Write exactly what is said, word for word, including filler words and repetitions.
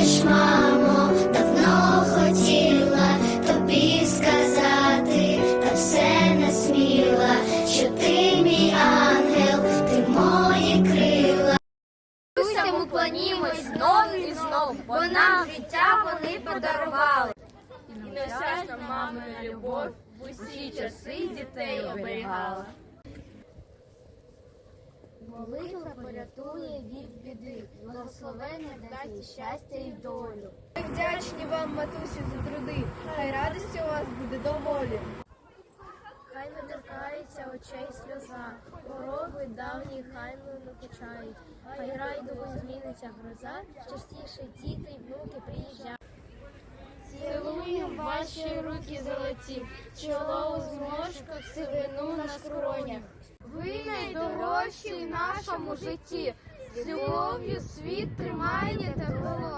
знаєш, мамо, давно хотіла тобі сказати, та все не сміла, що ти мій ангел, ти мої крила. Ми клонімось знову і знову, бо нам життя вони подарували. І неосяжна мамина любов в усі часи дітей оберігала. Молитва порятує від біди, благословення дасть щастя і долю. Ми вдячні вам, матусі, за труди, хай радості у вас буде доволі. Хай не торкається очей сльоза, пороги давні хай не накучають, хай райдугою зміниться гроза, частіше діти й внуки приїжджають. Цілуємо ваші руки золоті, чоло у зморшках, сивину на скронях. Ви найдорожчі в нашому житті, з любов'ю світ тримаєте в голові.